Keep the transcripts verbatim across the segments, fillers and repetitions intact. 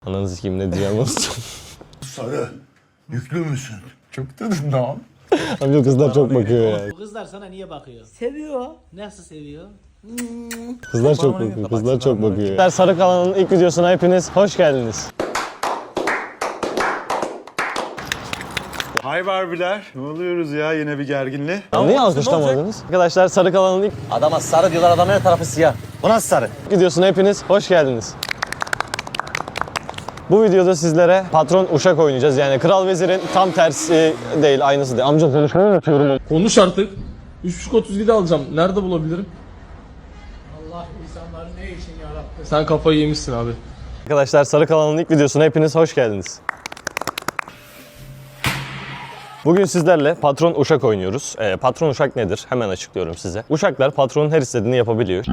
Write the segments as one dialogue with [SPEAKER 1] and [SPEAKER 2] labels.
[SPEAKER 1] Ananı sikeyim ne diyeceğim olsun.
[SPEAKER 2] Sarı, yüklü müsün? Çok dedim lan.
[SPEAKER 1] Amca kızlar çok bakıyor ya.
[SPEAKER 3] Bu kızlar sana niye bakıyor?
[SPEAKER 4] Seviyor.
[SPEAKER 3] Nasıl seviyor?
[SPEAKER 1] Kızlar çok bakıyor. Kızlar çok bakıyor. Sarı Kalan'ın ilk videosuna hepiniz hoş geldiniz.
[SPEAKER 2] Hay Barbiler. Ne oluyoruz ya yine bir gerginli.
[SPEAKER 1] Niye alkışlamadınız? Arkadaşlar Sarı Kalan'ın ilk
[SPEAKER 4] Adama sarı diyorlar, adamın her tarafı siyah. Bu nasıl sarı?
[SPEAKER 1] videosuna hepiniz hoş geldiniz. Bu videoda sizlere patron uşak oynayacağız. Yani Kral Vezir'in tam tersi değil, aynısı değil. Amca konuşmayı unutuyorum.
[SPEAKER 5] Konuş artık. üç buçuk otuz yedi alacağım. Nerede bulabilirim?
[SPEAKER 3] Allah insanları ne için yarattı?
[SPEAKER 5] Sen kafayı yemişsin abi.
[SPEAKER 1] Arkadaşlar Sarı Kalan'ın ilk videosuna hepiniz hoş geldiniz. Bugün sizlerle patron uşak oynuyoruz. Ee, patron uşak nedir? Hemen açıklıyorum size. Uşaklar patronun her istediğini yapabiliyor.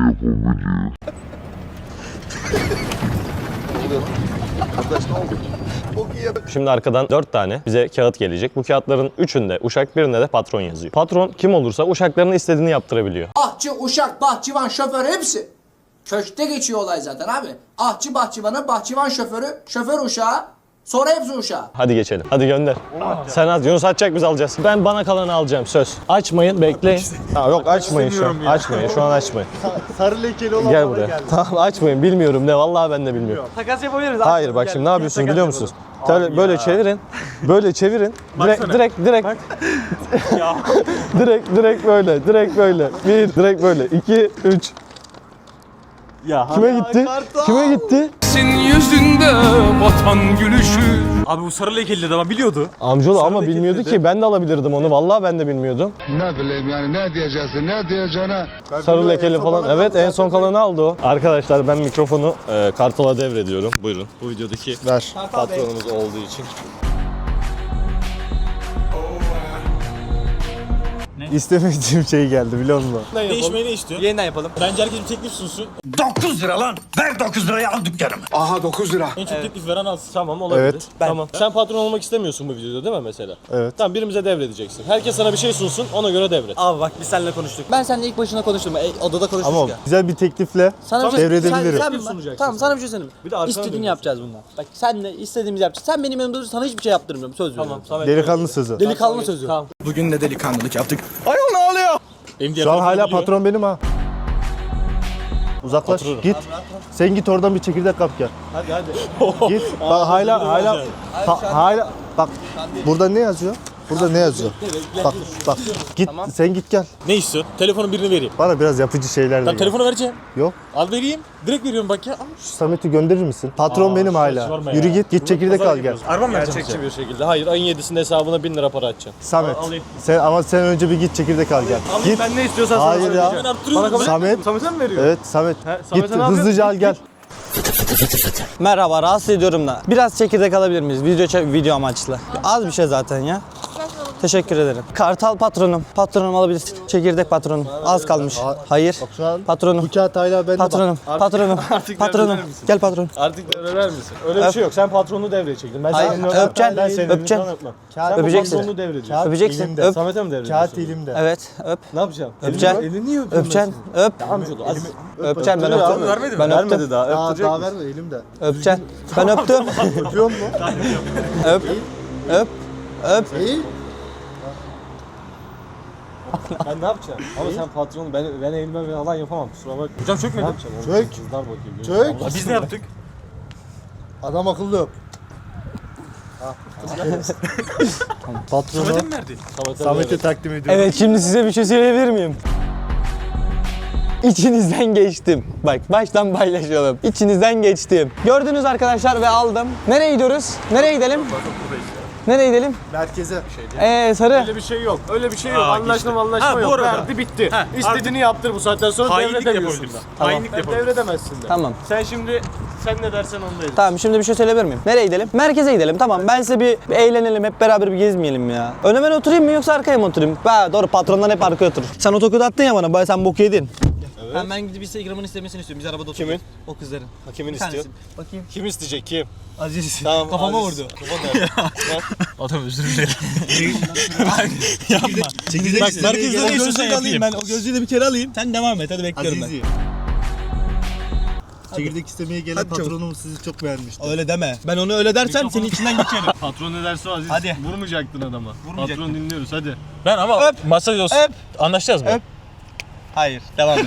[SPEAKER 1] Şimdi arkadan dört tane bize kağıt gelecek. Bu kağıtların üçünde uşak, birinde de patron yazıyor. Patron kim olursa uşaklarının istediğini yaptırabiliyor.
[SPEAKER 6] Ahçı, uşak, bahçıvan, şoför hepsi. Köşkte geçiyor olay zaten abi. Ahçı bahçıvanı, bahçıvan şoförü, şoför uşağı, sonra hepsi uşağı.
[SPEAKER 1] Hadi geçelim. Hadi gönder. Sen at. Yunus atacak, biz alacağız. Ben bana kalanı alacağım, söz. Açmayın, bekleyin. Ha, yok açmayın şu an. Açmayın, şu an açmayın.
[SPEAKER 7] Sarı lekeli olan
[SPEAKER 1] Gel
[SPEAKER 7] bana
[SPEAKER 1] buraya.
[SPEAKER 7] geldi.
[SPEAKER 1] Tamam açmayın, bilmiyorum ne. Vallahi ben de bilmiyorum.
[SPEAKER 4] Takas yapabiliriz.
[SPEAKER 1] Hayır bak şimdi ne yapıyorsunuz biliyor musunuz? Böyle, böyle çevirin. Böyle çevirin. Direkt direkt direkt. direkt direkt böyle. Direkt böyle. Bir direkt böyle. İki, üç.
[SPEAKER 7] Ya
[SPEAKER 1] Kime gitti? Kime gitti?
[SPEAKER 5] Yüzünde vatan gülüşü.
[SPEAKER 7] Abi bu sarı lekeli de ama biliyordu.
[SPEAKER 1] Amcaoğlu ama
[SPEAKER 7] lekeli
[SPEAKER 1] bilmiyordu
[SPEAKER 7] dedi.
[SPEAKER 1] ki. Ben de alabilirdim onu. Vallahi ben de bilmiyordum.
[SPEAKER 8] Ne bileyim yani ne diyeceksin ne diyeceğine.
[SPEAKER 1] Sarı lekeli falan. Evet en son kalanı aldı o. Arkadaşlar ben mikrofonu e, Kartal'a devrediyorum. Buyurun. Bu videodaki
[SPEAKER 7] Ver.
[SPEAKER 1] patronumuz olduğu için.
[SPEAKER 7] İstemediğim şey geldi biliyor musun?
[SPEAKER 4] Değişmeyi ne istiyor? Yeniden yapalım. Bence herkes bir teklif sunsun.
[SPEAKER 2] dokuz lira lan. Ver dokuz lirayı al dükkanımı. Aha dokuz lira.
[SPEAKER 4] En çok teklif veren alsın.
[SPEAKER 1] Tamam olabilir.
[SPEAKER 7] Evet.
[SPEAKER 1] Tamam. Sen patron olmak istemiyorsun bu videoda değil mi mesela?
[SPEAKER 7] Evet.
[SPEAKER 1] Tamam birimize devredeceksin. Herkes sana bir şey sunsun ona göre devret.
[SPEAKER 4] Abi bak biz seninle konuştuk. Ben seninle ilk başına konuştum. E, odada konuştuk
[SPEAKER 7] Ama
[SPEAKER 4] ya.
[SPEAKER 7] güzel bir teklifle
[SPEAKER 4] Sana bir şey-
[SPEAKER 7] devredebilirim.
[SPEAKER 4] Sen, sen, bak- tamam sana bir şey söyleyeyim.
[SPEAKER 1] Bir de arkana
[SPEAKER 4] İstediğini
[SPEAKER 1] dönüyorsun.
[SPEAKER 4] yapacağız bundan. Bak senle istediğimizi yapacağız. Sen benim yanımda durursan sana hiçbir şey yaptırmıyorum. Söz veriyorum.
[SPEAKER 1] Tamam.
[SPEAKER 7] Delikanlı sözü.
[SPEAKER 4] Delikanlı sözü.
[SPEAKER 1] Tamam.
[SPEAKER 2] Bugün de delikanlılık yaptık.
[SPEAKER 7] Şu an hala patron benim ha. Uzaklaş git. Sen git oradan bir çekirdek kap gel.
[SPEAKER 1] Hadi hadi.
[SPEAKER 7] Git. Bak hala hala ha- hala bak burada ne yazıyor? Burada ne yazıyor? Bak bak git sen git gel.
[SPEAKER 4] Ne istiyorsun? Telefonun birini vereyim.
[SPEAKER 7] Bana biraz yapıcı şeyler de
[SPEAKER 4] Ben
[SPEAKER 7] gel.
[SPEAKER 4] telefonu vereceğim.
[SPEAKER 7] Yok.
[SPEAKER 4] Al vereyim. Direkt veriyorum bak ya. Al.
[SPEAKER 7] Şu Samet'i gönderir misin? Patron benim hala.
[SPEAKER 1] sorma
[SPEAKER 7] Yürü
[SPEAKER 1] ya.
[SPEAKER 7] git git çekirdek al gel.
[SPEAKER 4] Araba mı
[SPEAKER 1] Gerçekçi bir şekilde. Hayır ayın yedisinde hesabına bin lira para atacaksın.
[SPEAKER 7] Samet. Sen ama sen önce bir git çekirdek al gel. Git.
[SPEAKER 1] Ben ne istiyorsan
[SPEAKER 7] Hayır
[SPEAKER 1] sana
[SPEAKER 7] ya.
[SPEAKER 1] söyleyeceğim.
[SPEAKER 4] Bana kabul
[SPEAKER 7] Samet.
[SPEAKER 1] Samet'e mi veriyor?
[SPEAKER 7] Evet Samet.
[SPEAKER 1] Samet'e
[SPEAKER 7] Git
[SPEAKER 1] ne
[SPEAKER 7] hızlıca al gel.
[SPEAKER 9] Merhaba, rahatsız ediyorum da. Biraz çekirdek alabilir miyiz? Video çek- video amaçlı. Az bir şey zaten ya. Teşekkür ederim. Kartal patronum. Patronum alabilirsin. Çekirdek patronum. Az kalmış. Hayır.
[SPEAKER 7] Şu an
[SPEAKER 9] Patronum.
[SPEAKER 7] bu kağıt hala bende.
[SPEAKER 9] Patronum. Patronum. Patronum. Gel patron.
[SPEAKER 1] Artık devreler misin? Öyle bir şey yok. Sen patronunu devreye çektin. Ben
[SPEAKER 9] Hayır,
[SPEAKER 1] senin
[SPEAKER 9] öpeceksin,
[SPEAKER 1] Ben senin
[SPEAKER 9] öpeceksin.
[SPEAKER 1] elinden öpmem.
[SPEAKER 7] Kağıt-
[SPEAKER 1] Sen
[SPEAKER 9] Öpeceksin.
[SPEAKER 1] patronunu devrediyorsun.
[SPEAKER 9] Öpeceksin.
[SPEAKER 7] elimde.
[SPEAKER 9] Öp.
[SPEAKER 1] Samet'e mi devrediyorsun?
[SPEAKER 7] Kağıt elimde.
[SPEAKER 9] Evet. Öp.
[SPEAKER 1] Ne yapacaksın?
[SPEAKER 9] Öpeceksin.
[SPEAKER 1] Elini, elini niye öpüyorsun?
[SPEAKER 9] Öpeceksin. Öp.
[SPEAKER 1] Amcaoğlu az.
[SPEAKER 9] Öpeceksin. Ben
[SPEAKER 1] Öptürüyor
[SPEAKER 9] öptüm.
[SPEAKER 1] abi, vermedi mi?
[SPEAKER 9] Ben
[SPEAKER 1] Vermedi
[SPEAKER 9] öptüm.
[SPEAKER 1] daha.
[SPEAKER 7] Daha,
[SPEAKER 1] Öptürecek
[SPEAKER 7] daha
[SPEAKER 1] misin?
[SPEAKER 7] verme elimde.
[SPEAKER 9] Öpeceksin. Ben öptüm.
[SPEAKER 7] Öpüyor mu?
[SPEAKER 9] Öp. Öp. Öp.
[SPEAKER 7] İyi.
[SPEAKER 1] Ben ne yapacağım? Ama sen patronun ben ben elimden falan yapamam. Kusura bakma. Hocam çökmedi. Ne yapacağım?
[SPEAKER 7] Çök.
[SPEAKER 1] Kızlar bakıyor.
[SPEAKER 7] Çök.
[SPEAKER 1] Allah
[SPEAKER 4] Biz ne yaptık?
[SPEAKER 7] Adam akıllı öp. Patronu
[SPEAKER 4] Samet'e mi verdi?
[SPEAKER 1] Samet'e
[SPEAKER 7] Samet'e
[SPEAKER 1] devret.
[SPEAKER 7] takdim ediyorum.
[SPEAKER 9] Evet, şimdi size bir şey söyleyebilir miyim? İçinizden geçtim. Bak baştan paylaşalım. İçinizden geçtim. Gördünüz arkadaşlar ve aldım. Nereye gidiyoruz? Nereye gidelim? Nereye gidelim?
[SPEAKER 7] Merkeze.
[SPEAKER 9] Ee sarı.
[SPEAKER 1] Öyle bir şey yok. Öyle bir şey yok. Anlaşma anlaşma
[SPEAKER 4] Ha, bu
[SPEAKER 1] yok.
[SPEAKER 4] arada.
[SPEAKER 1] Verdi bitti. İstediğini yaptır bu saatten sonra
[SPEAKER 4] Hainlik
[SPEAKER 1] devredemiyorsun
[SPEAKER 4] yapabiliriz.
[SPEAKER 1] da.
[SPEAKER 4] Hainlik
[SPEAKER 1] Ben
[SPEAKER 4] yapabiliriz.
[SPEAKER 1] devredemezsin de.
[SPEAKER 9] Tamam.
[SPEAKER 1] Sen şimdi sen ne dersen ondayız.
[SPEAKER 9] Tamam şimdi bir şey söyleyebilir miyim? Nereye gidelim? Merkeze gidelim. Tamam ben size bir, bir eğlenelim. Hep beraber bir gezmeyelim ya. Öne ben oturayım mı yoksa arkaya mı oturayım? Ha doğru patronlar hep arkaya oturur. Sen otokodu attın ya bana. Baya sen bok yedin.
[SPEAKER 4] Ben, ben gidip Instagram'ın istemesini istiyorum. Biz arabada
[SPEAKER 1] Kimin?
[SPEAKER 4] oturuyoruz. O kızların.
[SPEAKER 1] Ha, kimin
[SPEAKER 4] Bir tanesi.
[SPEAKER 1] istiyor?
[SPEAKER 4] Bakayım.
[SPEAKER 1] Kim isteyecek kim?
[SPEAKER 4] Aziz.
[SPEAKER 1] Tamam.
[SPEAKER 4] Kafama
[SPEAKER 1] Aziz.
[SPEAKER 4] vurdu.
[SPEAKER 1] Kafam nerede?
[SPEAKER 4] Adam özür dilerim. Yapma. Çekirdek Bak merkezde ne istiyorsan yapayım. Ben o gözlüğü de bir kere alayım. Sen devam et. Hadi bekliyorum ben.
[SPEAKER 7] Çekirdek istemeye gelen
[SPEAKER 9] Hadi çabuk.
[SPEAKER 7] patronum sizi çok beğenmişti.
[SPEAKER 9] Öyle deme. Ben onu öyle dersem senin içinden geçerim.
[SPEAKER 1] Patron ne derse o Aziz.
[SPEAKER 9] Hadi.
[SPEAKER 1] Vurmayacaktın adama.
[SPEAKER 9] Vurmayacaktım.
[SPEAKER 1] Patron dinliyoruz hadi.
[SPEAKER 5] Ben ama
[SPEAKER 9] Öp.
[SPEAKER 5] masaj olsun.
[SPEAKER 9] Öp.
[SPEAKER 5] Anlaşacağız mı?
[SPEAKER 9] Öp. Hayır, devam et.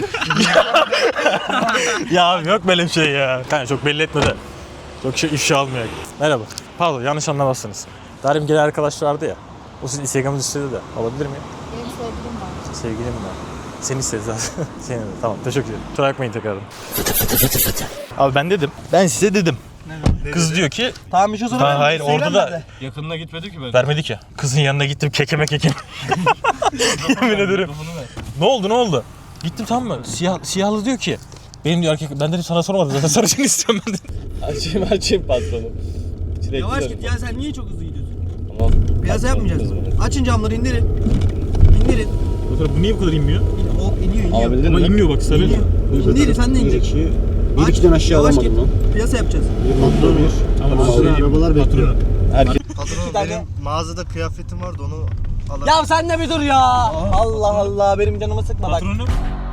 [SPEAKER 5] Ya abi yok böyle bir şey ya. Yani çok belli etme de. Çok şey ifşa almıyor. Merhaba. Pardon yanlış anlamazsınız. Darim gelen arkadaş vardı ya. O sizin Instagram'ınızı istedi de. Alabilir miyim?
[SPEAKER 10] Benim sevgilim var.
[SPEAKER 5] Sevgilim var. Seni istedi zaten. Seni de. Tamam teşekkür ederim. Kusura bakmayın tekrardan. Abi ben dedim. Ben size dedim. Kız diyor ki
[SPEAKER 9] Tamam bir şey sorayım.
[SPEAKER 5] Ha, hayır orada da
[SPEAKER 1] Yakınına gitmedi ki ben.
[SPEAKER 5] vermedik ya. Kızın yanına gittim kekeme kekeme. Yemin ederim. Ne oldu ne oldu? Gittim tamam mı? Siyah, siyahlı diyor ki benim diyor erkek ben dedim sana sormadım zaten sarışın istiyorum ben dedim.
[SPEAKER 1] Açayım açayım patronu.
[SPEAKER 9] Yavaş git ya sen niye çok hızlı gidiyorsun?
[SPEAKER 1] Tamam.
[SPEAKER 9] Piyasa yapmayacağız. Açın camları indirin. İndirin.
[SPEAKER 5] Bu niye bu kadar inmiyor?
[SPEAKER 9] İn, o iniyor iniyor.
[SPEAKER 1] Abi
[SPEAKER 5] Ama inmiyor bak sarı.
[SPEAKER 9] İndirin sen de inecek.
[SPEAKER 7] Bir iki tane aşağı
[SPEAKER 9] yavaş
[SPEAKER 7] alamadım
[SPEAKER 9] git. Piyasa yapacağız.
[SPEAKER 7] Patron bir.
[SPEAKER 5] Tamam,
[SPEAKER 7] Patron arabalar bekliyor.
[SPEAKER 1] Herkes.
[SPEAKER 7] Patron
[SPEAKER 9] tane-
[SPEAKER 7] benim mağazada kıyafetim vardı onu alabilir.
[SPEAKER 9] Ya sen de bir dur ya. Allah Allah benim canımı sıkma bak.
[SPEAKER 5] Patronum.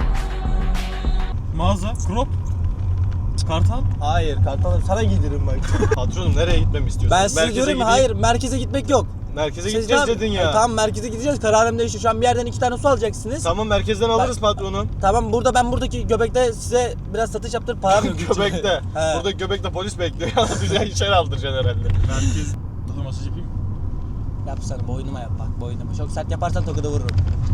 [SPEAKER 5] Mağaza, crop, kartal.
[SPEAKER 9] Hayır kartalım sana giydiririm bak.
[SPEAKER 1] Patronum nereye gitmemi istiyorsun?
[SPEAKER 9] Ben size diyorum
[SPEAKER 1] gideyim.
[SPEAKER 9] hayır merkeze gitmek yok.
[SPEAKER 1] Merkeze
[SPEAKER 9] Siz
[SPEAKER 1] gideceğiz
[SPEAKER 9] tamam-
[SPEAKER 1] dedin ya.
[SPEAKER 9] E, tamam merkeze gideceğiz kararım değişti. Şu an bir yerden iki tane su alacaksınız.
[SPEAKER 1] Tamam merkezden alırız patronum.
[SPEAKER 9] Tamam burada ben buradaki göbekte size biraz satış yaptırıp param yok.
[SPEAKER 1] Göbekte.
[SPEAKER 9] He.
[SPEAKER 1] Burada göbekte polis bekliyor. Bize içeri aldıracaksın herhalde.
[SPEAKER 5] Merkez. Dur masaj yapayım.
[SPEAKER 9] Yapsana boynuma yap bak boynuma. Çok sert yaparsan tokadı vururum.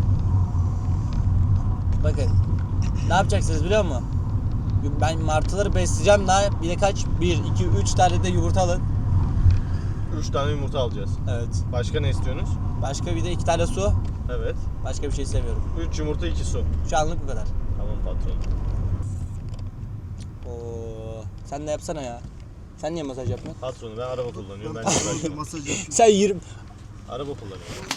[SPEAKER 9] Bakın. Ne yapacaksınız biliyor musun? Ben martıları besleyeceğim daha bir de kaç? bir, iki, üç tane de yumurta alın.
[SPEAKER 1] Üç tane yumurta alacağız.
[SPEAKER 9] Evet.
[SPEAKER 1] Başka ne istiyorsunuz?
[SPEAKER 9] Başka bir de iki tane su.
[SPEAKER 1] Evet.
[SPEAKER 9] Başka bir şey istemiyorum.
[SPEAKER 1] Üç yumurta iki su.
[SPEAKER 9] Şu anlık bu kadar.
[SPEAKER 1] Tamam patron.
[SPEAKER 9] Oo, sen de yapsana ya. Sen niye masaj yapmıyorsun?
[SPEAKER 1] Patronu ben araba kullanıyorum. Ben de uğraşıyorum.
[SPEAKER 7] Masaj yapıyorum.
[SPEAKER 9] Sen yirmi...
[SPEAKER 1] Araba kullanıyorum.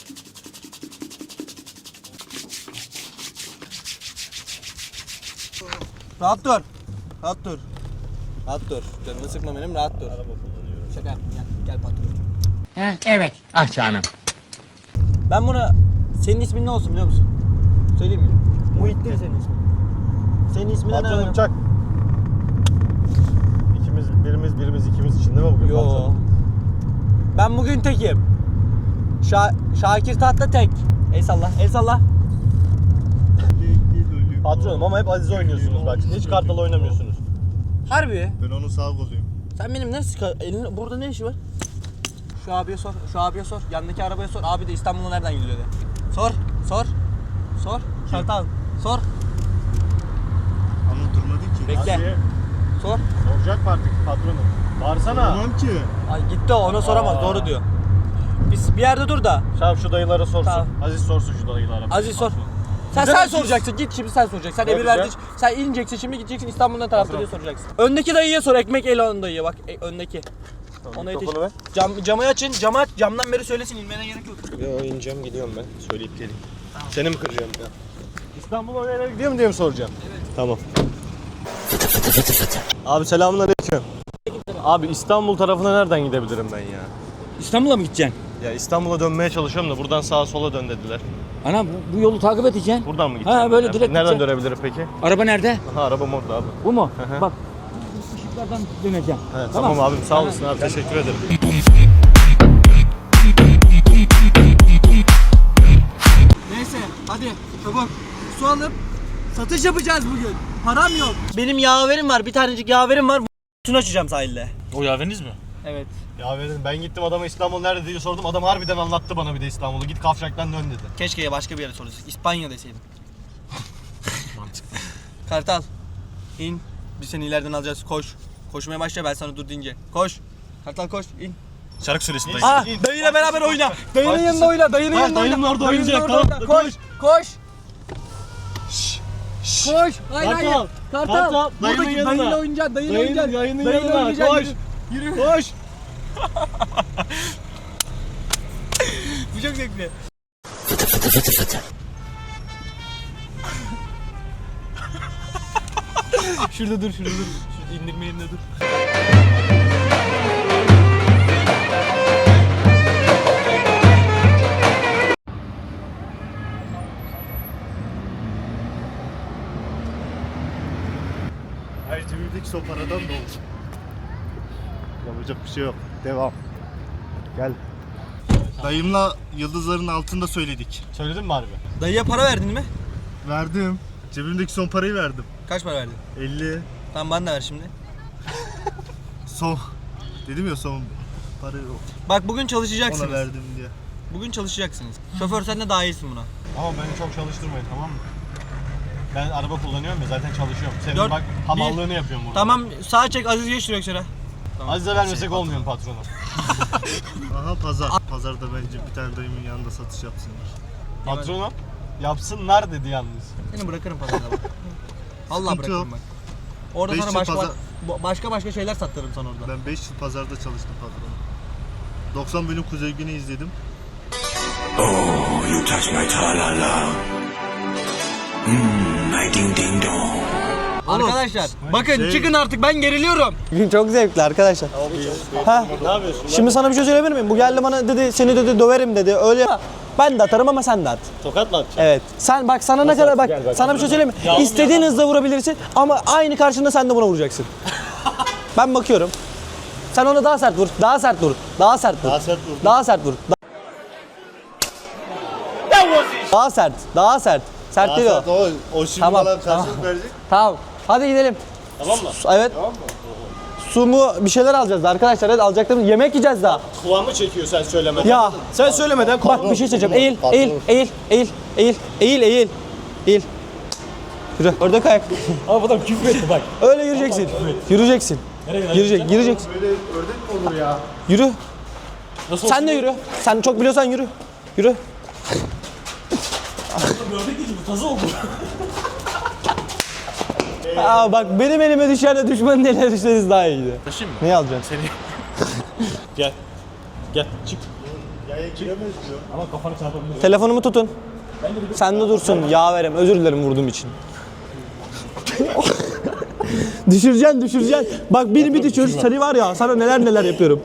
[SPEAKER 9] Rahat dur. Rahat dur. Rahat dur. Canını sıkma benim rahat dur.
[SPEAKER 1] Araba kullanıyorum.
[SPEAKER 9] Şaka yaptım gel. Gel patron.
[SPEAKER 3] He, evet. Ah canım.
[SPEAKER 9] Ben buna... Senin ismin ne olsun biliyor musun? Söyleyeyim mi? Muhittin senin ismin. Senin ismin ne?
[SPEAKER 1] Patronum çak. İkimiz, birimiz, birimiz, ikimiz için değil mi bugün
[SPEAKER 9] Yo.
[SPEAKER 1] patron?
[SPEAKER 9] Ben bugün tekim. Şa Şakir Tatlı tek. El salla, el salla.
[SPEAKER 1] Patronum ama hep Aziz oynuyorsunuz bak. Hiç kartal oynamıyorsunuz.
[SPEAKER 9] Harbi.
[SPEAKER 7] Ben onun sağ koluyum.
[SPEAKER 9] Sen benim ne sıkı... Elin, burada ne işi var? Şu abiye sor, şu abiye sor. Yandaki arabaya sor. Abi de İstanbul'a nereden gidiyor de. Sor, sor. Sor. Kartal. Sor.
[SPEAKER 7] Ama durmadı ki.
[SPEAKER 9] Bekle.
[SPEAKER 1] Azize
[SPEAKER 9] Sor.
[SPEAKER 1] soracak mı artık patronum? Bağırsana.
[SPEAKER 7] Tamam ki.
[SPEAKER 9] Ay gitti o, ona soramaz.
[SPEAKER 1] Aa.
[SPEAKER 9] Doğru diyor. Biz bir yerde dur da.
[SPEAKER 1] Şahap şu dayılara sorsun.
[SPEAKER 9] Tamam.
[SPEAKER 1] Aziz sorsun şu dayılara.
[SPEAKER 9] Aziz sor. Sen
[SPEAKER 1] Güzel
[SPEAKER 9] sen
[SPEAKER 1] Aziz.
[SPEAKER 9] soracaksın. Git şimdi sen soracaksın. Sen
[SPEAKER 1] Ne
[SPEAKER 9] emir
[SPEAKER 1] yapacağım?
[SPEAKER 9] verdin. Sen ineceksin şimdi gideceksin İstanbul'dan tarafta diye soracaksın. Öndeki dayıya sor. Ekmek el onun dayıya bak. E, öndeki. Ona yetiş.
[SPEAKER 1] mikrofonu ver.
[SPEAKER 9] Cam, camı açın. Camı aç. Camdan beri söylesin. İnmene gerek yok.
[SPEAKER 1] Yo ineceğim gidiyorum ben. Söyleyip geleyim. Seni mi kıracağım ya? İstanbul'a oraya gidiyor mu diye mi soracağım? Evet. Tamam. Abi selamünaleyküm. Abi İstanbul tarafına nereden gidebilirim ben ya?
[SPEAKER 4] İstanbul'a mı gideceksin?
[SPEAKER 1] Ya İstanbul'a dönmeye çalışıyorum da buradan sağa sola dön dediler.
[SPEAKER 4] Ana bu, bu yolu takip edeceksin.
[SPEAKER 1] Buradan mı gideceğim?
[SPEAKER 4] Ha, böyle
[SPEAKER 1] ya?
[SPEAKER 4] direkt
[SPEAKER 1] Nereden
[SPEAKER 4] gideceksin.
[SPEAKER 1] dönebilirim peki?
[SPEAKER 4] Araba nerede?
[SPEAKER 1] Aha arabam orada abi.
[SPEAKER 4] Bu mu?
[SPEAKER 1] hı.
[SPEAKER 4] Bak. Işıklardan döneceğim.
[SPEAKER 1] He, tamam. abim sağ olasın abi teşekkür ederim.
[SPEAKER 9] Neyse hadi çabuk. Su alıp satış yapacağız bugün. Param yok. Benim yaverim var. Bir tanecik yaverim var. Tün açacağım sahilde.
[SPEAKER 5] O yaveriniz mi?
[SPEAKER 9] Evet.
[SPEAKER 1] Ya verin ben gittim adama İstanbul nerede diye sordum. Adam harbiden anlattı bana bir de İstanbul'u. Git Kavşak'tan dön dedi.
[SPEAKER 9] Keşke başka bir yere sorsaydın. İspanya deseydim. Mantıklı. Kartal. İn. Biz seni ileriden alacağız. Koş. Koşmaya başla ben sana dur deyince. Koş. Kartal koş. İn.
[SPEAKER 5] Şarkı söylesin dayı.
[SPEAKER 9] Aa, dayıyla beraber oyna. Dayının yanında oyna. Dayının
[SPEAKER 1] Ha,
[SPEAKER 9] yanında oyna.
[SPEAKER 1] dayının orada
[SPEAKER 9] Dayının
[SPEAKER 1] oynayacak,
[SPEAKER 9] orada
[SPEAKER 1] tamam.
[SPEAKER 9] oyna. Koş. Koş. Koş. Hayır
[SPEAKER 1] Kartal,
[SPEAKER 9] hayır. Kartal.
[SPEAKER 1] Kartal, dayının
[SPEAKER 9] Buradaki
[SPEAKER 1] yanına.
[SPEAKER 9] dayıyla oynayacaksın. Dayıyla
[SPEAKER 1] Dayının-
[SPEAKER 9] oynayacaksın.
[SPEAKER 1] dayının
[SPEAKER 9] Dayıyla
[SPEAKER 1] yanına.
[SPEAKER 9] oynayacaksın.
[SPEAKER 1] Koş.
[SPEAKER 9] Yürü.
[SPEAKER 1] Koş.
[SPEAKER 9] Bu çok zevkli. Şurada dur, şurada dur. Şurada indirme yerine dur.
[SPEAKER 7] Her cebimde son paradan ne oldu? Yapacak bir şey yok. Devam. Gel. Dayımla yıldızların altında söyledik.
[SPEAKER 1] Söyledin mi harbi?
[SPEAKER 4] Dayıya para verdin mi?
[SPEAKER 7] Verdim. Cebimdeki son parayı verdim.
[SPEAKER 4] Kaç para verdin?
[SPEAKER 7] elli.
[SPEAKER 4] Tamam bana da ver şimdi.
[SPEAKER 7] Son. Dedim ya son parayı
[SPEAKER 4] Bak bugün
[SPEAKER 7] ona
[SPEAKER 4] çalışacaksınız.
[SPEAKER 7] verdim diye.
[SPEAKER 4] Bugün çalışacaksınız. Şoför sen de daha iyisin buna.
[SPEAKER 1] Ama beni çok çalıştırmayın, tamam mı? Ben araba kullanıyorum ya, zaten çalışıyorum. Senin
[SPEAKER 4] Dört-
[SPEAKER 1] bak hamallığını yapıyorum burada.
[SPEAKER 4] Tamam sağa çek Aziz geç direksiyona.
[SPEAKER 1] Azize vermesek olmuyor mu patronu?
[SPEAKER 7] Aha pazar. Pazarda bence bir tane dayımın yanında satış yapsınlar.
[SPEAKER 1] Patronu yapsınlar dedi yalnız.
[SPEAKER 4] Seni bırakırım pazarda bak. Vallahi
[SPEAKER 7] Sıkıntı
[SPEAKER 4] bırakırım
[SPEAKER 7] yok.
[SPEAKER 4] bak. Orada
[SPEAKER 7] Beş
[SPEAKER 4] sana
[SPEAKER 7] yıl
[SPEAKER 4] başka
[SPEAKER 7] pazar-
[SPEAKER 4] ba- başka başka şeyler sattırırım sana orada.
[SPEAKER 7] Ben beş yıl pazarda çalıştım patron. doksan bölüm Kuzey Güney izledim.
[SPEAKER 2] Oh, you touch my tra-la-la. Mmm, my ding-ding dong.
[SPEAKER 4] Arkadaşlar bakın
[SPEAKER 7] şey-
[SPEAKER 4] çıkın artık ben geriliyorum.
[SPEAKER 9] Bugün çok zevkli arkadaşlar. Ha?
[SPEAKER 1] Ne yapıyorsun?
[SPEAKER 9] Şimdi sana bir şey söyleyebilir miyim? Bu geldi bana dedi seni dedi döverim dedi. Öyle ben de atarım ama sen de at.
[SPEAKER 1] Tokat mı atacaksın?
[SPEAKER 9] Evet. Sen bak sana ne kadar bak,
[SPEAKER 1] Gel bak.
[SPEAKER 9] sana bir şey söyleyeyim mi? İstediğin hızda vurabilirsin ama aynı karşında sen de buna vuracaksın. Ben bakıyorum. Sen ona daha sert vur. Daha sert vur. Daha sert vur.
[SPEAKER 7] Daha sert vurdum.
[SPEAKER 9] Daha sert vur. Da- Daha sert. Daha sert. Sert değil o.
[SPEAKER 7] Asat o, o şimdi
[SPEAKER 9] Tamam,
[SPEAKER 7] bana
[SPEAKER 9] tamam.
[SPEAKER 7] karşılık verecek.
[SPEAKER 9] Tamam. Hadi gidelim.
[SPEAKER 1] Tamam mı?
[SPEAKER 9] Su- Evet. Su mu bir şeyler alacağız da arkadaşlar. Hadi alacaklarımız yemek yiyeceğiz daha.
[SPEAKER 1] Kulağımı çekiyor sen söylemeden.
[SPEAKER 9] Ya
[SPEAKER 1] Sen söylemeden
[SPEAKER 9] bak bir şey söyleyeceğim. Eğil, eğil, eğil, eğil, eğil, eğil, eğil, eğil. Yürü. Ördek ayak.
[SPEAKER 5] Ama adam küfür etti bak.
[SPEAKER 9] Öyle yürüyeceksin. Yürüyeceksin. Yürüyecek, gireceksin.
[SPEAKER 7] Böyle ördek mi olur ya?
[SPEAKER 9] Yürü.
[SPEAKER 5] Nasıl
[SPEAKER 9] Sen de yürü. Sen çok biliyorsan yürü. Yürü.
[SPEAKER 5] Gördük değil bu tazı oldu.
[SPEAKER 9] Aa bak benim elime düşer de düşmanın eline düşseniz daha iyiydi.
[SPEAKER 5] Taşıyım mı?
[SPEAKER 9] Neyi alacaksın?
[SPEAKER 5] Seni. Gel. Gel çık.
[SPEAKER 7] Yaya giremez diyor.
[SPEAKER 5] Ama kafanı çarpabilir.
[SPEAKER 9] Telefonumu tutun. Sen de dursun. Yaverem. Özür dilerim vurduğum için. düşüreceksin, düşüreceksin. Bak beni bir düşür. Seni var ya sana neler neler yapıyorum.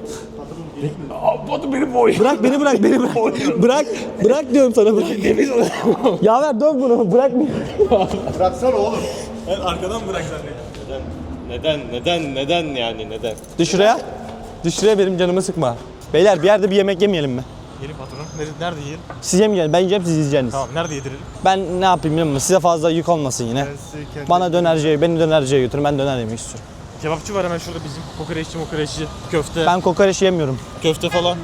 [SPEAKER 5] Abi benim boy.
[SPEAKER 9] Bırak beni bırak beni bırak. bırak bırak diyorum sana bırak. Yaver dön bunu bırak beni.
[SPEAKER 7] Bıraksana oğlum.
[SPEAKER 5] Ben arkadan bırak zannettim.
[SPEAKER 1] Neden, neden, neden yani neden?
[SPEAKER 9] Düş şuraya. Düş şuraya benim canımı sıkma. Beyler bir yerde bir yemek yemeyelim mi?
[SPEAKER 5] Yiyelim patronum. Nerede, nerede yiyelim?
[SPEAKER 9] Siz yemeyelim. Ben yiyeceğim siz yiyeceksiniz.
[SPEAKER 5] Tamam nerede yedirelim?
[SPEAKER 9] Ben ne yapayım bilmiyorum. Size fazla yük olmasın yine.
[SPEAKER 7] Ben size kendi-
[SPEAKER 9] Bana dönerciye, beni dönerciye götürün. Ben döner yemek istiyorum.
[SPEAKER 5] Kebapçı var hemen şurada bizim. Kokoreççi mokoreççi. Köfte.
[SPEAKER 9] Ben kokoreç yemiyorum.
[SPEAKER 5] Köfte falan.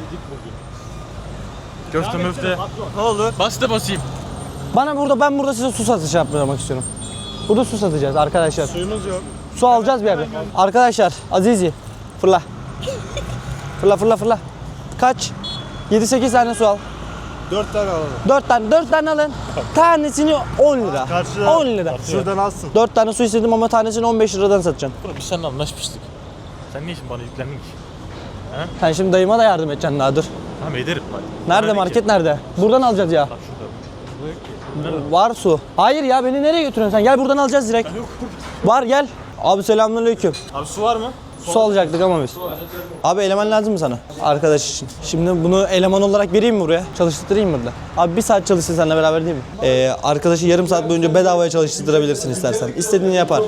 [SPEAKER 5] Köfte möfte. Ne oldu? Bas da basayım.
[SPEAKER 9] Bana burada ben burada size su satışı yapmak istiyorum. Burada su satacağız arkadaşlar.
[SPEAKER 7] Suyumuz yok.
[SPEAKER 9] Su alacağız bir yerde. Arkadaşlar Azizi fırla. Fırla fırla fırla. Kaç? yedi sekiz tane su al.
[SPEAKER 7] Dört tane alalım.
[SPEAKER 9] dört tane dört tane alın. Tanesini on lira.
[SPEAKER 7] Karşıda.
[SPEAKER 9] on lira.
[SPEAKER 7] Şuradan alsın.
[SPEAKER 9] dört tane su istedim ama tanesini on beş liradan satacaksın.
[SPEAKER 5] Oğlum biz seninle anlaşmıştık. Sen niye şimdi bana yüklendin ki?
[SPEAKER 9] Sen şimdi dayıma da yardım edeceksin daha dur.
[SPEAKER 5] Tamam ederim bak.
[SPEAKER 9] Nerede
[SPEAKER 5] Bana ne
[SPEAKER 9] market
[SPEAKER 5] ki?
[SPEAKER 9] nerede? Buradan alacağız ya.
[SPEAKER 5] Bak şurada. Bu yok ki.
[SPEAKER 9] Var su. Hayır ya beni nereye götürüyorsun sen? Gel buradan alacağız direkt. Var gel. Abi selamünaleyküm.
[SPEAKER 5] Abi su var mı?
[SPEAKER 9] Su alacaktık ama biz. Abi eleman lazım mı sana? Arkadaş için. Şimdi bunu eleman olarak vereyim mi buraya? Çalıştırayım burada. Abi bir saat çalışsın seninle beraber değil mi? Ee, arkadaşı yarım saat boyunca bedavaya çalıştırabilirsin istersen. İstediğini yapar.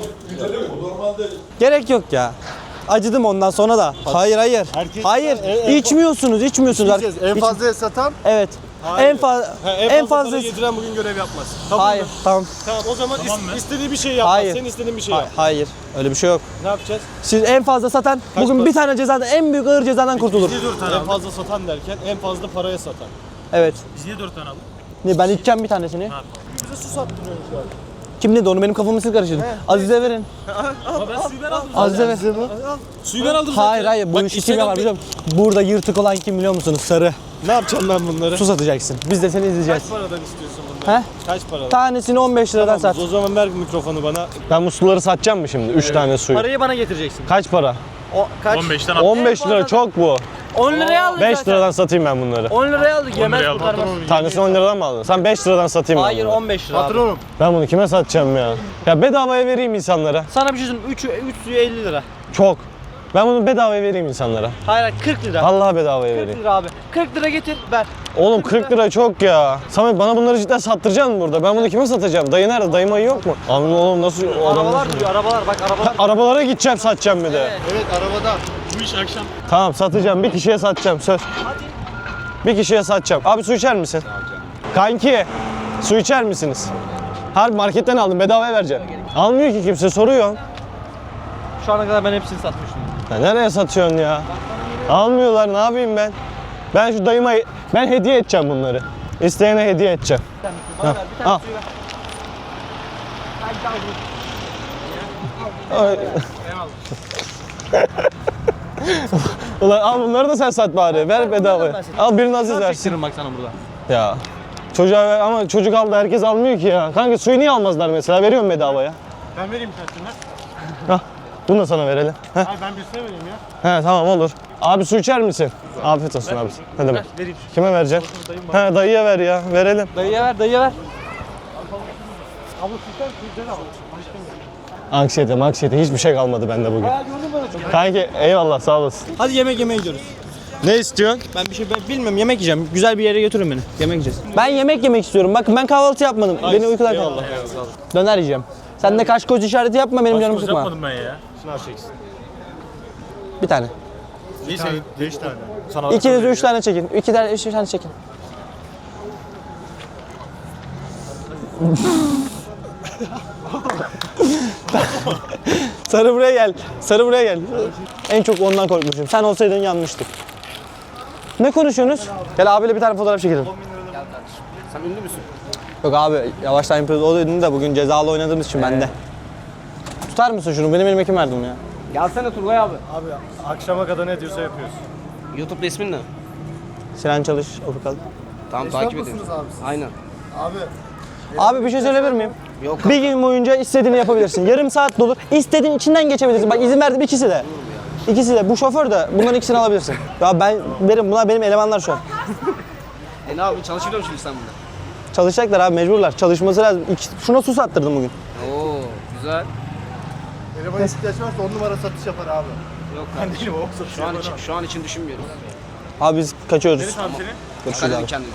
[SPEAKER 9] Gerek yok ya. Acıdım ondan sonra da. Hayır hayır.
[SPEAKER 7] Herkes-
[SPEAKER 9] Hayır.
[SPEAKER 7] en- en-
[SPEAKER 9] İçmiyorsunuz, içmiyorsunuz.
[SPEAKER 7] Diyeceğiz, En
[SPEAKER 9] İç-
[SPEAKER 7] fazla satan
[SPEAKER 9] Evet. En fazla en fazla
[SPEAKER 1] yediren bugün görev yapmaz.
[SPEAKER 9] Hayır. Tamam.
[SPEAKER 1] Tamam o zaman
[SPEAKER 5] Tamam mı?
[SPEAKER 1] istediği bir şey yapmaz.
[SPEAKER 9] Hayır.
[SPEAKER 1] Senin istediğin bir şey
[SPEAKER 9] Hayır,
[SPEAKER 1] yap.
[SPEAKER 9] hayır. Öyle bir şey yok.
[SPEAKER 1] Ne yapacağız?
[SPEAKER 9] Siz en fazla satan bugün
[SPEAKER 1] para?
[SPEAKER 9] bir tane cezadan en büyük ağır cezadan kurtulur.
[SPEAKER 1] En fazla satan derken en fazla paraya satan.
[SPEAKER 9] Evet.
[SPEAKER 5] Biz niye dört tane aldık?
[SPEAKER 9] Ne ben içeceğim bir tanesini.
[SPEAKER 1] Bize su sattırıyorsun şu an.
[SPEAKER 9] Kim dedi onu benim kafamı siz karıştırdın. Azize verin.
[SPEAKER 5] Ama ben suyu ben aldım.
[SPEAKER 9] Azize ver.
[SPEAKER 5] Suyu ben aldım zaten.
[SPEAKER 9] Hayır hayır bu
[SPEAKER 5] Bak,
[SPEAKER 9] işi kim yapar
[SPEAKER 5] Instagram-
[SPEAKER 9] biliyor musun? Burada yırtık olan kim biliyor musunuz? Sarı.
[SPEAKER 1] Ne yapacağım ben bunları?
[SPEAKER 9] Su satacaksın. Biz de seni izleyeceğiz.
[SPEAKER 1] Kaç paradan istiyorsun bunları?
[SPEAKER 9] He?
[SPEAKER 1] Kaç paradan?
[SPEAKER 9] Tanesini on beş liradan sat.
[SPEAKER 1] O zaman ver mikrofonu bana. Ben bu suları satacağım mı şimdi? üç tane suyu.
[SPEAKER 4] Parayı bana getireceksin.
[SPEAKER 1] Kaç para?
[SPEAKER 4] O, kaç?
[SPEAKER 5] on beşten al.
[SPEAKER 1] on beş lira çok bu.
[SPEAKER 4] on liraya aldık
[SPEAKER 1] beş
[SPEAKER 4] zaten.
[SPEAKER 1] liradan satayım ben bunları.
[SPEAKER 4] on liraya aldık yemez
[SPEAKER 5] liraya al,
[SPEAKER 4] kurtarmaz.
[SPEAKER 5] patronum.
[SPEAKER 1] Tanesini on liradan mı aldın? Sen beş liradan satayım ben
[SPEAKER 4] Hayır
[SPEAKER 1] bunu.
[SPEAKER 4] on beş lira abi.
[SPEAKER 7] patronum.
[SPEAKER 1] Ben bunu kime satacağım ya? Ya bedavaya vereyim insanlara.
[SPEAKER 4] Sana bir şey söyleyeyim üç üç suyu elli lira.
[SPEAKER 1] Çok. Ben bunu bedavaya vereyim insanlara.
[SPEAKER 9] Hayır hayır, kırk lira.
[SPEAKER 1] Vallahi bedavaya
[SPEAKER 9] kırk
[SPEAKER 1] vereyim.
[SPEAKER 9] lira abi. kırk lira getir ver.
[SPEAKER 1] Oğlum kırk lira çok ya. Samet bana bunları cidden sattıracaksın mı burada? Ben bunu kime satacağım? Dayı nerede? Dayı mayı yok mu? Abi oğlum nasıl? o adam
[SPEAKER 9] Arabalar
[SPEAKER 1] nasıl-
[SPEAKER 9] duruyor arabalar bak arabalar.
[SPEAKER 1] Arabalara gideceğim satacağım bir de.
[SPEAKER 7] Evet arabada.
[SPEAKER 5] Bu iş akşam.
[SPEAKER 1] Tamam satacağım. Bir kişiye satacağım söz. Bir kişiye satacağım. Abi su içer misin? Kanki su içer misiniz? Harbi marketten aldım bedavaya vereceğim. Almıyor ki kimse soruyor.
[SPEAKER 9] Şu ana kadar ben hepsini satmıştım.
[SPEAKER 1] Ya nereye satıyorsun ya? Almıyorlar ne yapayım ben? Ben şu dayıma ben hediye edeceğim bunları. İsteyene hediye edeceğim.
[SPEAKER 9] Bana ver bir tane
[SPEAKER 1] Al.
[SPEAKER 9] suyu ver.
[SPEAKER 1] Ay. Ulan al bunları da sen sat bari. Ver bedavaya. Al birini Aziz versin.
[SPEAKER 9] Çektiririm bak sana burada.
[SPEAKER 1] Ya. Çocuğa ver ama çocuk aldı herkes almıyor ki ya. Kanka suyu niye almazlar mesela? Veriyorum bedavaya.
[SPEAKER 5] Ben vereyim tanesini.
[SPEAKER 1] Hah. Bunu da sana verelim. Heh.
[SPEAKER 5] Hayır ben birisine vereyim ya.
[SPEAKER 1] He tamam olur. Abi su içer misin? Afiyet olsun abi. Ne demek?
[SPEAKER 5] Vereyim.
[SPEAKER 1] Kime vereceksin? He dayıya ver ya. Verelim.
[SPEAKER 9] Dayıya ver dayıya ver.
[SPEAKER 1] Anksiyete, anksiyete hiçbir şey kalmadı bende bugün. Kanki eyvallah sağ olasın.
[SPEAKER 9] Hadi yemek yemeye gidiyoruz.
[SPEAKER 1] Ne istiyorsun?
[SPEAKER 9] Ben bir şey ben bilmiyorum yemek yiyeceğim. Güzel bir yere götürün beni. Yemek yiyeceğiz. Ben yemek yemek istiyorum. Bakın ben kahvaltı yapmadım. Beni uykular kaldı. Döner yiyeceğim. Sen de kaş göz işareti yapma benim canımı sıkma.
[SPEAKER 5] Yapmadım ben ya. Şunu çeksin.
[SPEAKER 9] Bir tane.
[SPEAKER 7] Bir tane, beş tane.
[SPEAKER 5] Sana
[SPEAKER 9] İkiniz de üç tane çekin. İki tane, üç tane çekin. Sarı buraya gel. Sarı buraya gel. En çok ondan korkmuşum. Sen olsaydın yanmıştık. Ne konuşuyorsunuz? Gel abiyle bir tane fotoğraf çekelim.
[SPEAKER 5] Sen ünlü müsün?
[SPEAKER 9] Yok abi yavaştan yapıyoruz. O dedin de bugün cezalı oynadığımız için bende. Tutar mısın şunu? Benim elime kim verdi bunu ya?
[SPEAKER 3] Gelsene Turgay abi.
[SPEAKER 5] Abi akşama kadar ne diyorsa yapıyoruz.
[SPEAKER 3] YouTube ismin ne?
[SPEAKER 9] Sinan Çalış, Ofukal.
[SPEAKER 3] Tamam takip ediyoruz. Aynen.
[SPEAKER 9] Abi bir şey söyleyebilir miyim? Yok. Bir gün boyunca istediğini yapabilirsin. Yarım saat dolu. İstediğin içinden geçebilirsin. Bak izin verdim ikisi de. İkisi de. Bu şoför de. Bunların ikisini alabilirsin. Ya ben benim bunlar benim elemanlar şu an.
[SPEAKER 3] E ne abi çalışıyor musun sen burada?
[SPEAKER 9] Çalışacaklar abi mecburlar. Çalışması lazım. İki, şuna su sattırdım bugün.
[SPEAKER 3] Oo güzel.
[SPEAKER 7] Eleman ihtiyaç varsa on numara satış yapar abi.
[SPEAKER 3] Yok kardeşim. Şu an için, şu an için düşünmüyoruz.
[SPEAKER 9] Abi biz kaçıyoruz.
[SPEAKER 5] Abi seni.
[SPEAKER 9] Görüşürüz abi.
[SPEAKER 3] Kendini.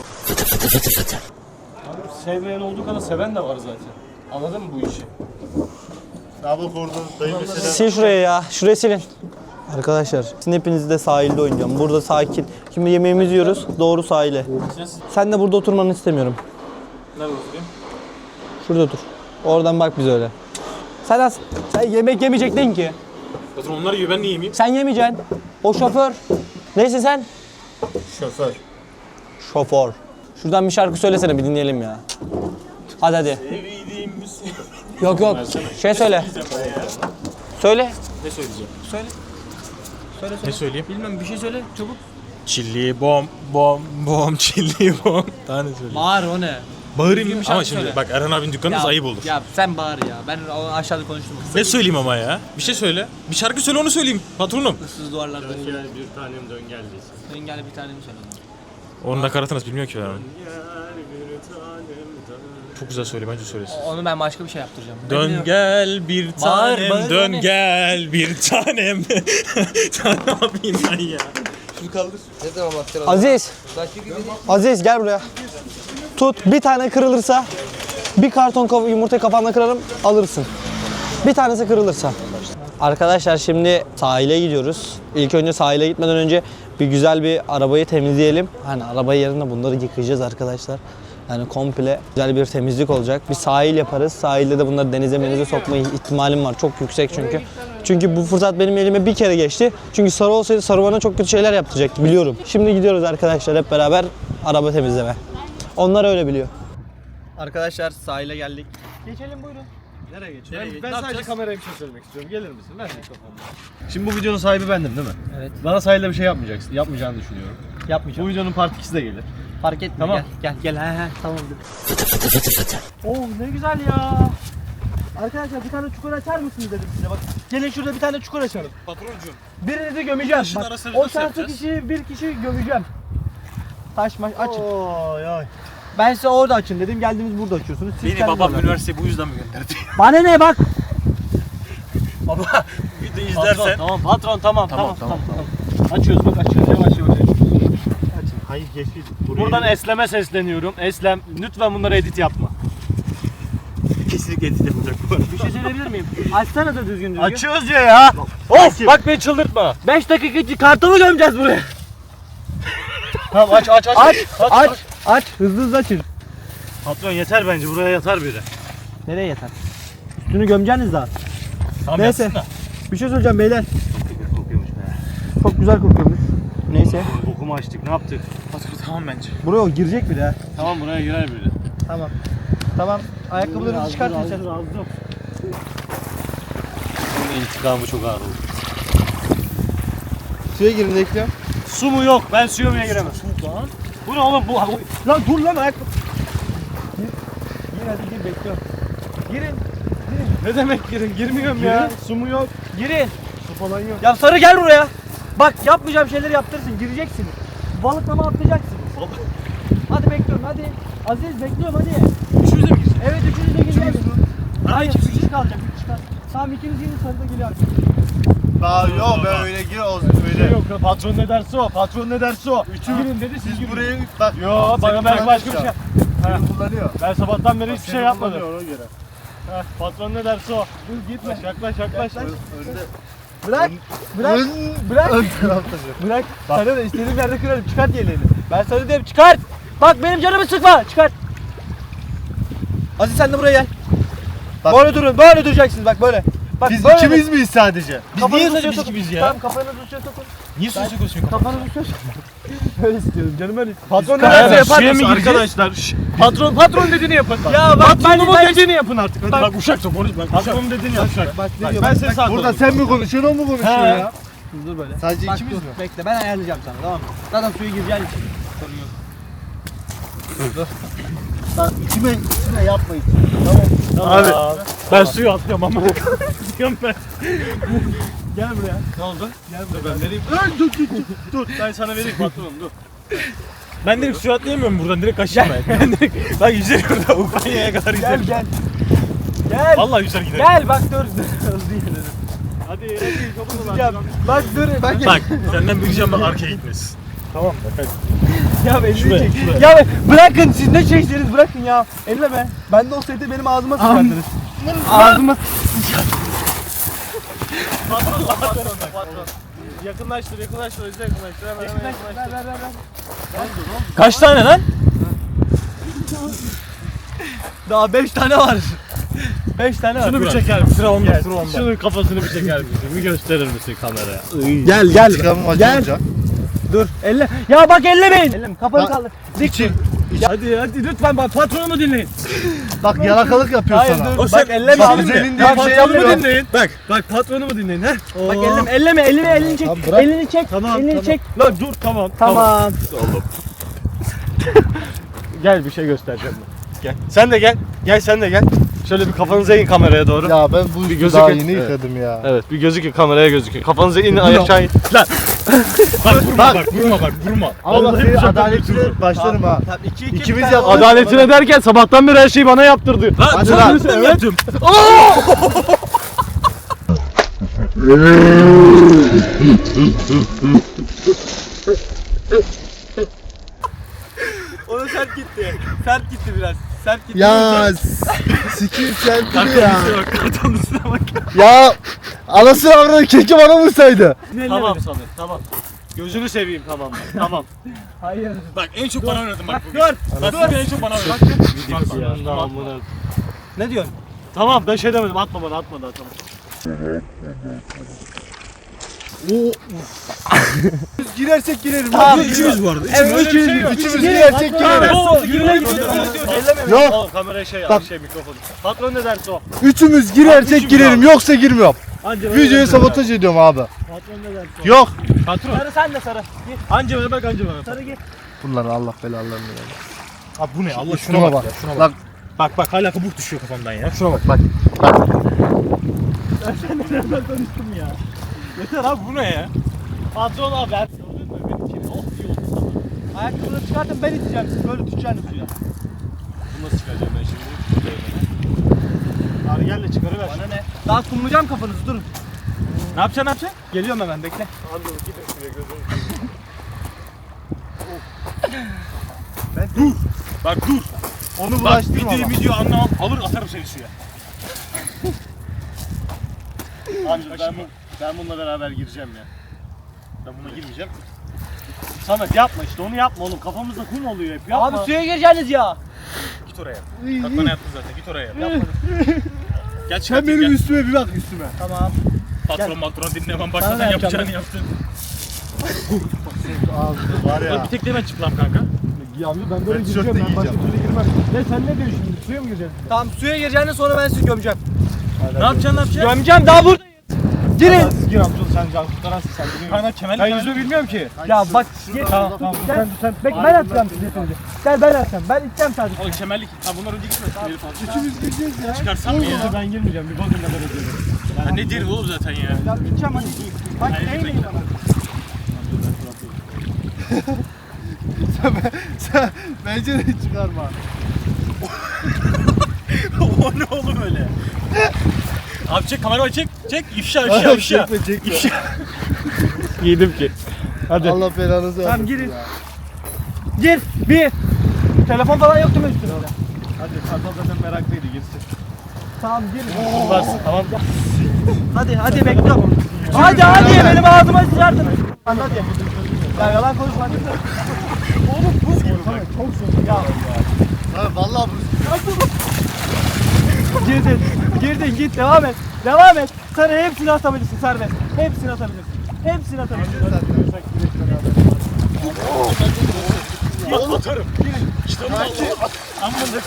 [SPEAKER 5] Sevmeyen olduğu kadar seven de var zaten. Anladın mı bu işi?
[SPEAKER 7] Abi orada dayı mesela.
[SPEAKER 9] Sil şurayı ya. Şurayı silin. Arkadaşlar şimdi hepinizi de sahilde oynayacağım. Burada sakin. Şimdi yemeğimizi yiyoruz. Doğru sahile. Sen de burada oturmanı istemiyorum.
[SPEAKER 5] Nerede oturayım?
[SPEAKER 9] Şurada otur. Oradan bak bize öyle. Sen az. Sen yemek yemeyecektin ki.
[SPEAKER 5] Zaten onlar yiyor ben niye yemeyeyim?
[SPEAKER 9] Sen yemeyeceksin. O şoför. Neyse sen?
[SPEAKER 7] Şoför.
[SPEAKER 9] Şoför. Şuradan bir şarkı söylesene bir dinleyelim ya. Hadi hadi. Yok yok. Şey söyle. Söyle.
[SPEAKER 5] Ne söyleyeceğim?
[SPEAKER 9] Söyle. Söyle
[SPEAKER 5] Ne söyleyeyim?
[SPEAKER 9] Bilmem bir şey söyle çabuk.
[SPEAKER 5] Çilli bom bom bom çilli bom. Daha ne söyleyeyim?
[SPEAKER 9] Bağır o ne?
[SPEAKER 5] Bağırayım
[SPEAKER 9] bir
[SPEAKER 5] ama
[SPEAKER 9] şarkı
[SPEAKER 5] şimdi
[SPEAKER 9] söyle.
[SPEAKER 5] bak Erhan abinin dükkanında ayıp olur.
[SPEAKER 9] Ya sen bağır ya. Ben o aşağıda konuştum.
[SPEAKER 5] Ne söyleyeyim ama ya? Bir şey söyle. Bir şarkı söyle onu söyleyeyim patronum.
[SPEAKER 9] Issız duvarlarda.
[SPEAKER 5] bir tanem dön gel
[SPEAKER 9] Dön gel bir tane mi söyle?
[SPEAKER 5] Onun nakaratı nasıl bilmiyor ki ben. Çok güzel söyle bence söylesin.
[SPEAKER 9] Onu ben başka bir şey yaptıracağım.
[SPEAKER 5] Dön gel bir
[SPEAKER 9] Bağır,
[SPEAKER 5] tanem,
[SPEAKER 9] bağır
[SPEAKER 5] dön
[SPEAKER 9] beni.
[SPEAKER 5] gel bir tanem. Sen ne yapayım ben ya?
[SPEAKER 3] Ne zaman bakacaksın?
[SPEAKER 9] Aziz. Aziz gel buraya. Tut bir tane kırılırsa bir karton kav- yumurta kafanda kırarım alırsın. Bir tanesi kırılırsa. Arkadaşlar şimdi sahile gidiyoruz. İlk önce sahile gitmeden önce bir güzel bir arabayı temizleyelim. Hani arabayı yerine bunları yıkayacağız arkadaşlar. Yani komple güzel bir temizlik olacak. Bir sahil yaparız. Sahilde de bunları denize menize sokma ihtimalim var. Çok yüksek çünkü. Çünkü bu fırsat benim elime bir kere geçti. Çünkü Sarı olsaydı Sarı bana çok kötü şeyler yaptıracaktı biliyorum. Şimdi gidiyoruz arkadaşlar hep beraber araba temizleme. Onlar öyle biliyor. Arkadaşlar sahile geldik. Geçelim buyurun. Nereye geçelim?
[SPEAKER 5] Ben, ben sadece kameraya bir şey söylemek istiyorum. Gelir misin? Ver mikrofonunu. Şimdi bu videonun sahibi bendim değil mi? Evet. Bana sahilde bir şey yapmayacaksın. Yapmayacağını düşünüyorum.
[SPEAKER 9] Yapmayacağım.
[SPEAKER 5] Bu videonun part ikisi de gelir.
[SPEAKER 9] Fark etmiyor.
[SPEAKER 5] Tamam.
[SPEAKER 9] Gel gel gel. He he tamamdır. Oo ne güzel ya. Arkadaşlar bir tane çukur açar mısınız dedim size bak. Gelin şurada bir tane çukur açalım.
[SPEAKER 5] Patroncuğum.
[SPEAKER 9] Birinizi gömeceğim.
[SPEAKER 5] Taşın
[SPEAKER 9] Bak,
[SPEAKER 5] arasını
[SPEAKER 9] o
[SPEAKER 5] nasıl
[SPEAKER 9] şanslı
[SPEAKER 5] yapacağız?
[SPEAKER 9] kişiyi bir kişi gömeceğim. Taş maş açın.
[SPEAKER 7] Oy oy.
[SPEAKER 9] Ben size orada açın dedim. Geldiniz burada açıyorsunuz. Siz
[SPEAKER 5] Beni
[SPEAKER 9] kendiniz
[SPEAKER 5] babam
[SPEAKER 9] orada.
[SPEAKER 5] üniversiteye bu yüzden mi gönderdi?
[SPEAKER 9] Bana ne bak.
[SPEAKER 5] Baba video izlersen.
[SPEAKER 1] Tamam patron tamam tamam tamam. tamam. Açıyoruz bak açıyoruz yavaş yavaş.
[SPEAKER 7] Hayır geçti.
[SPEAKER 1] Buradan Eslem'e sesleniyorum. Eslem lütfen bunları edit yapma.
[SPEAKER 5] Kesinlikle edit yapacak bu arada.
[SPEAKER 9] Bir şey söyleyebilir miyim? Açsana da düzgün düzgün.
[SPEAKER 1] Açıyoruz ya ya. Of bak beni çıldırtma.
[SPEAKER 9] beş dakika için kartonu gömeceğiz buraya.
[SPEAKER 1] Tamam aç aç aç.
[SPEAKER 9] Aç, aç, aç. Hızlı hızlı açın.
[SPEAKER 1] Patron yeter bence buraya yatar biri.
[SPEAKER 9] Nereye yeter? Üstünü gömeceğiniz daha.
[SPEAKER 5] Tamam
[SPEAKER 9] Neyse.
[SPEAKER 5] yapsın da.
[SPEAKER 9] Bir şey söyleyeceğim beyler.
[SPEAKER 1] Kokuyormuş be.
[SPEAKER 9] Çok güzel kokuyormuş. Neyse.
[SPEAKER 1] Bokumu açtık ne yaptık?
[SPEAKER 5] Patron tamam bence.
[SPEAKER 9] Buraya o girecek bir de.
[SPEAKER 1] Tamam buraya girer biri.
[SPEAKER 9] Tamam. Tamam. Ayakkabılarınızı çıkartın sen.
[SPEAKER 1] Bunun intikamı çok ağır oldu.
[SPEAKER 9] Suya girin bekliyorum.
[SPEAKER 1] Su mu yok? Ben suya mı giremem? Su lan. Bu ne oğlum bu?
[SPEAKER 9] Lan dur lan ayakkabı. Gir. Gir hadi gir bekliyorum. Girin.
[SPEAKER 1] Ne demek girin? Girmiyorum ya. Su mu yok?
[SPEAKER 9] Girin. Su falan yok. Ya Sarı gel buraya. Bak yapmayacağım şeyleri yaptırırsın. Gireceksiniz. Balıklama atlayacaksınız. Hadi bekliyorum hadi. Aziz bekliyorum hadi.
[SPEAKER 5] Üçümüze mi gireceğiz?
[SPEAKER 9] Evet üçünüz de gireceksiniz. Hayır bir kişi kalacak bir kişi kalacak. Tamam ikiniz girin Sarı da geliyor.
[SPEAKER 7] Daha yok ben öyle gir o öyle.
[SPEAKER 1] Yok patron ne derse o. Patron ne derse o. Üçü girin dedi siz
[SPEAKER 7] Siz
[SPEAKER 1] girin.
[SPEAKER 7] buraya bak.
[SPEAKER 1] Yo bana belki başka bir şey.
[SPEAKER 7] Seni kullanıyor.
[SPEAKER 1] Ben sabahtan beri hiçbir şey yapmadım.
[SPEAKER 7] Kullanıyor ona göre.
[SPEAKER 1] Heh, patron ne derse o. Dur gitme. Yaklaş yaklaş.
[SPEAKER 7] Önde.
[SPEAKER 9] Bırak. Bırak.
[SPEAKER 7] Ön-
[SPEAKER 9] Bırak.
[SPEAKER 7] Ön tarafta.
[SPEAKER 9] Bırak. Sarı da istediğin yerde kırarım. Çıkart yeleğini. Ben Sarı diyorum çıkart. Bak benim canımı sıkma. Çıkart. Aziz sen de buraya gel.
[SPEAKER 7] Bak.
[SPEAKER 9] Böyle durun. Böyle duracaksınız bak böyle. Bak
[SPEAKER 7] Biz
[SPEAKER 9] böyle.
[SPEAKER 7] ikimiz miyiz sadece?
[SPEAKER 5] Biz
[SPEAKER 9] Kafanızı
[SPEAKER 5] niye
[SPEAKER 9] suya
[SPEAKER 5] biz
[SPEAKER 9] sokun.
[SPEAKER 5] gibiyiz ya?
[SPEAKER 9] Tamam kafanızı suya sokun.
[SPEAKER 5] Niye suya sokuyorsun kafanı?
[SPEAKER 9] Kafanızı suya sokun. Öyle istiyorum canım öyle. Patron ne
[SPEAKER 1] Beraber
[SPEAKER 9] derse yapar
[SPEAKER 1] suya
[SPEAKER 9] mısın
[SPEAKER 1] mı gireceğiz?
[SPEAKER 9] arkadaşlar?
[SPEAKER 1] Şş, Patron patron dediğini yapın.
[SPEAKER 9] Ya bak ben
[SPEAKER 1] Patronumun
[SPEAKER 9] ben
[SPEAKER 1] dediğini yapın artık. Hadi
[SPEAKER 9] Bak.
[SPEAKER 1] bak uşak çok konuş. Bak patronun dediğini yap uşak.
[SPEAKER 9] Bak ne
[SPEAKER 1] Bak,
[SPEAKER 9] diyor?
[SPEAKER 1] ben
[SPEAKER 9] Bak,
[SPEAKER 1] seni
[SPEAKER 9] bak,
[SPEAKER 1] sağ
[SPEAKER 7] Burada sen mi konuşuyorsun o mu konuşuyor
[SPEAKER 1] He.
[SPEAKER 7] ya?
[SPEAKER 9] Dur böyle.
[SPEAKER 7] Sadece
[SPEAKER 9] Bak
[SPEAKER 7] ikimiz
[SPEAKER 9] dur,
[SPEAKER 7] mi?
[SPEAKER 9] bekle ben ayarlayacağım sana tamam mı? Zaten suya gireceğin için.
[SPEAKER 7] Bak içime, içime yapmayın.
[SPEAKER 1] Abi ben suyu atlıyorum ama. Diyorum ben. Gel buraya. Ne oldu? Gel buraya. Ben vereyim. Dur dur dur. Dur ben sana vereyim patronum dur.
[SPEAKER 5] Ben direkt suya atlayamıyorum buradan direkt kaçayım ben. Ben direkt bak yüzerim burada Ukrayna'ya kadar
[SPEAKER 9] Gel
[SPEAKER 5] yüzerim.
[SPEAKER 9] gel. Gel.
[SPEAKER 5] Vallahi yüzer giderim.
[SPEAKER 9] Gel bak dur. Hızlı inelim.
[SPEAKER 1] Hadi hadi kapını
[SPEAKER 9] Tutacağım. Bak dur bak.
[SPEAKER 5] Bak senden bir ricam var arkaya gitmesin.
[SPEAKER 1] Tamam bak
[SPEAKER 9] Ya elini
[SPEAKER 5] Şuraya,
[SPEAKER 9] çek.
[SPEAKER 5] şuraya.
[SPEAKER 9] Ya bırakın siz ne çekseniz bırakın ya. Elleme. Ben de olsaydı benim ağzıma sıçardınız. Ağzıma
[SPEAKER 1] Yakınlaştır yakınlaştır hızlı yakınlaştır hemen hemen yakınlaştır.
[SPEAKER 9] ver ver ver. ver.
[SPEAKER 5] Kaç tane lan?
[SPEAKER 9] Daha beş tane var. beş tane var.
[SPEAKER 1] Şunu bir çeker misin?
[SPEAKER 5] Sıra onda
[SPEAKER 1] Gel,
[SPEAKER 5] sıra onda.
[SPEAKER 1] Şunun kafasını bir çeker misin? Bir gösterir misin kameraya?
[SPEAKER 9] Gel gel.
[SPEAKER 7] Çıkalım acı
[SPEAKER 9] Gel.
[SPEAKER 7] olacak.
[SPEAKER 9] Dur elle. Ya bak ellemeyin. Elleme. Kafanı
[SPEAKER 7] Bak,
[SPEAKER 9] kaldır.
[SPEAKER 7] İçim.
[SPEAKER 1] Hadi hadi lütfen bak patronumu dinleyin.
[SPEAKER 7] Bak yalakalık yapıyor
[SPEAKER 9] Hayır
[SPEAKER 7] sana.
[SPEAKER 9] dur.
[SPEAKER 5] O sen-
[SPEAKER 9] Bak elleme.
[SPEAKER 7] Bak,
[SPEAKER 9] elini.
[SPEAKER 7] üzerinde
[SPEAKER 9] Bak,
[SPEAKER 7] bir şey
[SPEAKER 9] patronumu
[SPEAKER 7] yapıyor.
[SPEAKER 9] dinleyin.
[SPEAKER 1] Bak bak patronumu dinleyin ha.
[SPEAKER 9] Bak elleme elleme elini elini çek.
[SPEAKER 7] Tamam, bırak.
[SPEAKER 9] Elini çek.
[SPEAKER 1] Tamam
[SPEAKER 9] elini
[SPEAKER 1] tamam.
[SPEAKER 9] çek.
[SPEAKER 1] Lan dur tamam.
[SPEAKER 9] Tamam.
[SPEAKER 1] Gel bir şey göstereceğim ben. Gel. Sen de gel. Gel sen de gel. Şöyle bir kafanıza in kameraya doğru.
[SPEAKER 7] Ya ben bu
[SPEAKER 1] Bir
[SPEAKER 7] bir
[SPEAKER 1] gözü
[SPEAKER 7] daha
[SPEAKER 1] kır-
[SPEAKER 7] yeni
[SPEAKER 1] Evet.
[SPEAKER 7] yıkadım ya.
[SPEAKER 1] Evet bir gözükün kameraya gözükün. Kafanıza in aşağı in. Lan.
[SPEAKER 5] Bak vurma bak vurma bak vurma.
[SPEAKER 7] Allah
[SPEAKER 1] Vallahi
[SPEAKER 7] seni
[SPEAKER 1] bu sefer
[SPEAKER 7] adaletine başlarım ha.
[SPEAKER 9] Tamam iki iki.
[SPEAKER 7] İkimiz
[SPEAKER 9] bir tane-
[SPEAKER 7] yaptık.
[SPEAKER 1] Adaletine derken sabahtan beri her şeyi bana yaptırdı.
[SPEAKER 5] Lan
[SPEAKER 7] Hadi
[SPEAKER 5] sen
[SPEAKER 7] lan.
[SPEAKER 5] evet. yaptım.
[SPEAKER 9] Ona sert gitti. Sert gitti biraz. Sert gitti.
[SPEAKER 7] Ya sikim sen dur ya.
[SPEAKER 5] Bak kartonun üstüne bak.
[SPEAKER 7] Ya anasını avradı keşke bana vursaydı.
[SPEAKER 1] Tamam Samet tamam. Gözünü seveyim tamam. Tamam.
[SPEAKER 9] Hayır.
[SPEAKER 5] Bak en çok bana oynadın bak bugün.
[SPEAKER 9] Dur.
[SPEAKER 5] Bak bugün en çok bana oynadın.
[SPEAKER 1] Tamam.
[SPEAKER 9] Ne diyorsun?
[SPEAKER 1] Tamam ben şey demedim atma bana atma daha tamam.
[SPEAKER 7] Girersek girerim.
[SPEAKER 9] Tamam.
[SPEAKER 5] İkimiz bu arada.
[SPEAKER 9] Evet
[SPEAKER 1] Öyle bir şey yok.
[SPEAKER 7] Üçümüz girersek girerim.
[SPEAKER 1] Oo, yürüye gidiyor.
[SPEAKER 7] Yok.
[SPEAKER 1] Oğlum kameraya şey al,
[SPEAKER 7] Bak.
[SPEAKER 1] şey mikrofonu. Patron ne derse o.
[SPEAKER 7] Üçümüz girersek girerim yoksa girmiyorum.
[SPEAKER 1] Anca
[SPEAKER 7] Videoyu sabotaj ediyorum abi.
[SPEAKER 1] Patron ne derse o.
[SPEAKER 7] Yok.
[SPEAKER 1] Patron.
[SPEAKER 9] Sarı sen de sarı. Gir.
[SPEAKER 1] Anca bana bak anca bana.
[SPEAKER 9] Sarı gir.
[SPEAKER 7] Bunların Allah belalarını versin.
[SPEAKER 5] Abi bu ne Allah şuna
[SPEAKER 7] Şuna
[SPEAKER 5] bak.
[SPEAKER 7] bak.
[SPEAKER 5] Ya, şuna bak.
[SPEAKER 7] Bak
[SPEAKER 5] Bak bak hala kabuk düşüyor kafamdan ya.
[SPEAKER 7] şuna bak bak. Bak.
[SPEAKER 5] Yeter abi bu ne ya?
[SPEAKER 1] Patron abi ben. Gördün mü benimkini? Oh iyi oldu sana.
[SPEAKER 9] Ayakkabıları çıkartın ben iteceğim sizi. Böyle tutacaksınız suya.
[SPEAKER 1] Bunu nasıl çıkaracağım ben şimdi? Abi gel de çıkarıver.
[SPEAKER 9] Bana ne? Daha kumlayacağım kafanızı durun.
[SPEAKER 5] Ne yapacaksın ne yapacaksın?
[SPEAKER 4] Geliyorum hemen bekle.
[SPEAKER 5] Dur. Bak dur.
[SPEAKER 7] Onu
[SPEAKER 5] Bak
[SPEAKER 7] bulaştırma
[SPEAKER 5] videoyu
[SPEAKER 7] ama.
[SPEAKER 5] video anlamam. Alır atarım seni suya.
[SPEAKER 7] Amca ben, bu, ben bununla beraber gireceğim ya. Ben buna girmeyeceğim. Samet yapma işte onu yapma oğlum. Kafamızda kum oluyor hep. Yapma.
[SPEAKER 4] Abi suya gireceksiniz ya.
[SPEAKER 5] Git oraya. Bak bana yaptın zaten. Git oraya. Yapma. Gel
[SPEAKER 7] Sen
[SPEAKER 5] çıkartayım
[SPEAKER 7] benim
[SPEAKER 5] gel.
[SPEAKER 7] üstüme bir bak üstüme.
[SPEAKER 4] Tamam.
[SPEAKER 5] Patron matron dinlemem.
[SPEAKER 4] Sana
[SPEAKER 5] Başladan
[SPEAKER 4] da yapacağım
[SPEAKER 5] yapacağını yaptın.
[SPEAKER 7] Var ya.
[SPEAKER 5] Bir tek de ben çıplam kanka.
[SPEAKER 7] Ben böyle gireceğim. Ben başka türlü girmem. Ne sen ne diyorsun şimdi? Suya mı gireceksin?
[SPEAKER 4] Tamam suya gireceğiniz sonra ben sizi gömeceğim.
[SPEAKER 5] Ne yapacaksın ne yapacaksın?
[SPEAKER 4] Gömeceğim daha buradayız. Girin.
[SPEAKER 7] Siz gir amca sen can kurtaransın sen biliyor musun?
[SPEAKER 5] Kanka kemerli
[SPEAKER 7] Ben
[SPEAKER 5] kemerli.
[SPEAKER 7] yüzme bilmiyorum ki.
[SPEAKER 4] Ya bak gir.
[SPEAKER 7] Tamam tamam sen sen.
[SPEAKER 4] Bek ben atacağım size şimdi. Gel ben atacağım. Ben içeceğim sadece.
[SPEAKER 5] Oğlum kemerlik. Ha bunlar önce gitmesin. Herif aldı.
[SPEAKER 7] Üçümüz gireceğiz ya.
[SPEAKER 5] Çıkarsam mı ya?
[SPEAKER 7] Ben girmeyeceğim. Bir bakın ne kadar ediyorum.
[SPEAKER 5] Ha ne deri oğlum zaten ya.
[SPEAKER 4] Ya içeceğim hadi. Bak
[SPEAKER 5] Hayır,
[SPEAKER 4] eğleyin
[SPEAKER 5] bekle.
[SPEAKER 4] bana.
[SPEAKER 7] Sen bence de çıkarma.
[SPEAKER 5] O ne oğlum öyle? Abi çek kamerayı çek. Çek ifşa ifşa ifşa.
[SPEAKER 7] Çekme çekme.
[SPEAKER 5] İfşa.
[SPEAKER 7] Yedim ki. Hadi. Allah belanızı versin.
[SPEAKER 4] Tamam girin. Gir. Bir. Telefon falan yok değil mi üstünde?
[SPEAKER 7] Hadi Kartal zaten meraklıydı girsin.
[SPEAKER 4] Tamam gir.
[SPEAKER 7] Varsın tamam.
[SPEAKER 4] Hadi hadi bekliyorum. Hadi hadi benim ağzıma sıçardın. Hadi. Ya yalan konuşma. Oğlum buz gibi. Tamam çok soğuk. Ya.
[SPEAKER 7] Ha vallahi bu.
[SPEAKER 4] Girdin. Girdin git devam et. Devam et. Sen hepsini atabilirsin serbest. Hepsini atabilirsin. Hepsini atabilirsin.
[SPEAKER 5] Atarım. İşte bu da Amma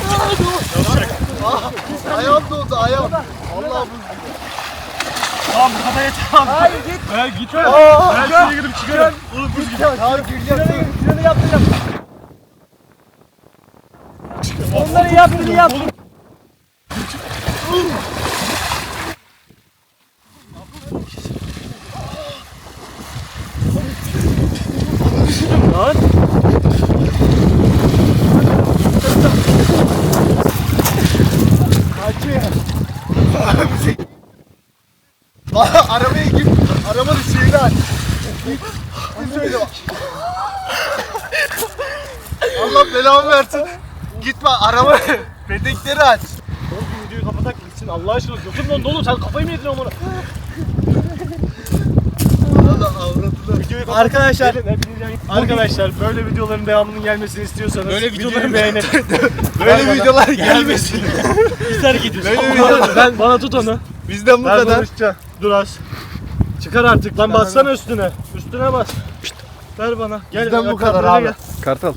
[SPEAKER 7] Ayağım doldu ayağım. Vallahi bu.
[SPEAKER 5] Tamam bu kadar yeter abi.
[SPEAKER 4] Hayır git.
[SPEAKER 5] Ben git öyle. Ben şuraya gidip çıkarım. Oğlum buz gibi.
[SPEAKER 7] Abi gireceğim.
[SPEAKER 4] Şunu yaptıracağım. Onları yaptın yap.
[SPEAKER 7] Arabaya git. Arabanın şeyini aç. Bir söyle bak. Allah belamı versin. Gitme araba pedekleri aç.
[SPEAKER 5] Oğlum videoyu kapatak gitsin Allah aşkına. Götüm dondu oğlum sen kafayı mı yedin amına?
[SPEAKER 7] Allah avradını.
[SPEAKER 4] Arkadaşlar.
[SPEAKER 7] Arkadaşlar böyle videoların devamının gelmesini istiyorsanız
[SPEAKER 5] Böyle videoların
[SPEAKER 7] beğenip böyle videolar gelmesin.
[SPEAKER 5] Biz hareket ediyoruz.
[SPEAKER 7] Böyle videolar
[SPEAKER 4] Ben bana tut onu.
[SPEAKER 7] bizden bu kadar.
[SPEAKER 4] Dur az. Çıkar artık lan bassana üstüne. Üstüne bas. Şşt, ver bana. Gel.
[SPEAKER 7] Bizden bu
[SPEAKER 4] ayakkabılara
[SPEAKER 7] kadar abi.
[SPEAKER 4] gel.
[SPEAKER 7] Kartal.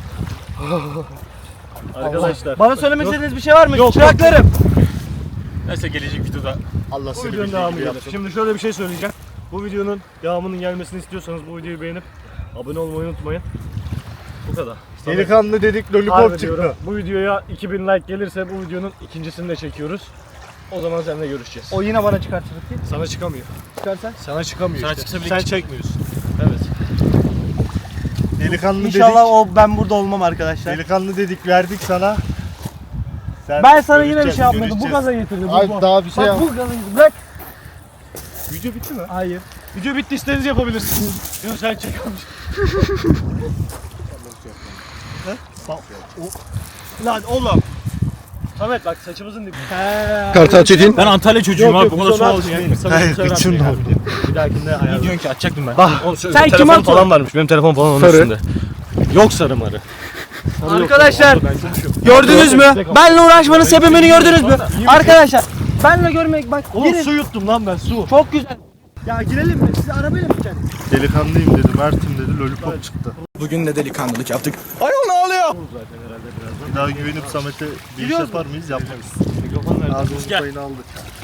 [SPEAKER 7] Arkadaşlar.
[SPEAKER 4] Bana söylemek istediğiniz bir şey var mı?
[SPEAKER 7] Yok,
[SPEAKER 4] Çıraklarım.
[SPEAKER 5] Neyse gelecek videoda.
[SPEAKER 7] Allah
[SPEAKER 4] Bu
[SPEAKER 7] seni
[SPEAKER 4] videonun
[SPEAKER 7] bildiği
[SPEAKER 4] devamı
[SPEAKER 7] gibi
[SPEAKER 4] gelir.
[SPEAKER 7] yapsın.
[SPEAKER 4] Şimdi şöyle bir şey söyleyeceğim. Bu videonun devamının gelmesini istiyorsanız bu videoyu beğenip abone olmayı unutmayın. Bu kadar.
[SPEAKER 7] Delikanlı dedik lollipop
[SPEAKER 4] Harbi
[SPEAKER 7] çıktı.
[SPEAKER 4] diyorum. Bu videoya iki bin like gelirse bu videonun ikincisini de çekiyoruz. O zaman seninle görüşeceğiz. O yine bana çıkartır ki.
[SPEAKER 7] Sana çıkamıyor.
[SPEAKER 4] Çıkarsan.
[SPEAKER 7] Sana çıkamıyor
[SPEAKER 5] Sana
[SPEAKER 7] işte.
[SPEAKER 5] çıksa bile
[SPEAKER 7] Sen
[SPEAKER 5] çık-
[SPEAKER 7] çekmiyorsun.
[SPEAKER 4] Evet.
[SPEAKER 7] Delikanlı
[SPEAKER 4] İnşallah
[SPEAKER 7] dedik.
[SPEAKER 4] o ben burada olmam arkadaşlar.
[SPEAKER 7] Delikanlı dedik verdik sana. Sen
[SPEAKER 4] Ben sana yine bir
[SPEAKER 7] görüşeceğiz,
[SPEAKER 4] şey yapmadım. Bu
[SPEAKER 7] görüşeceğiz.
[SPEAKER 4] gaza getirdim. Bu,
[SPEAKER 7] Ay,
[SPEAKER 4] bu.
[SPEAKER 7] daha bir şey
[SPEAKER 4] Bak
[SPEAKER 7] yap.
[SPEAKER 4] bu gaza getirdim. Bırak.
[SPEAKER 7] Video bitti mi?
[SPEAKER 4] Hayır.
[SPEAKER 7] Video bitti istediğinizi yapabilirsiniz. Yok sen çekiyormuş.
[SPEAKER 4] Lan oğlum. Samet bak saçımızın dibi.
[SPEAKER 2] Kartal Çetin.
[SPEAKER 5] Ben Antalya çocuğuyum abi. Bu kadar su aldım.
[SPEAKER 7] Hayır üçüm de
[SPEAKER 4] Bir dahakinde ayarlarım.
[SPEAKER 5] Ne diyorsun ki açacaktım ben.
[SPEAKER 4] Bak sen kim
[SPEAKER 7] Telefon
[SPEAKER 4] atıyorsun?
[SPEAKER 7] falan varmış. Benim telefon falan onun
[SPEAKER 2] Sarı.
[SPEAKER 7] üstünde. Yok sarı marı.
[SPEAKER 4] Arkadaşlar gördünüz mü? Benle uğraşmanın sebebini gördünüz mü? Arkadaşlar benle görmek bak
[SPEAKER 7] Oğlum
[SPEAKER 4] girin.
[SPEAKER 7] su yuttum lan ben su.
[SPEAKER 4] Çok güzel. Ya girelim mi? Siz arabayla mı gideceksiniz?
[SPEAKER 7] Delikanlıyım dedi, Mert'im dedi, lollipop çıktı.
[SPEAKER 2] Bugün de delikanlılık yaptık.
[SPEAKER 7] Bir daha güvenip Samet'e bir iş
[SPEAKER 4] Gidiyoruz
[SPEAKER 7] yapar mıyız? Yapmayız.
[SPEAKER 4] Mikrofon nerede?
[SPEAKER 7] Ağzımızın
[SPEAKER 5] Gel.
[SPEAKER 7] payını aldık.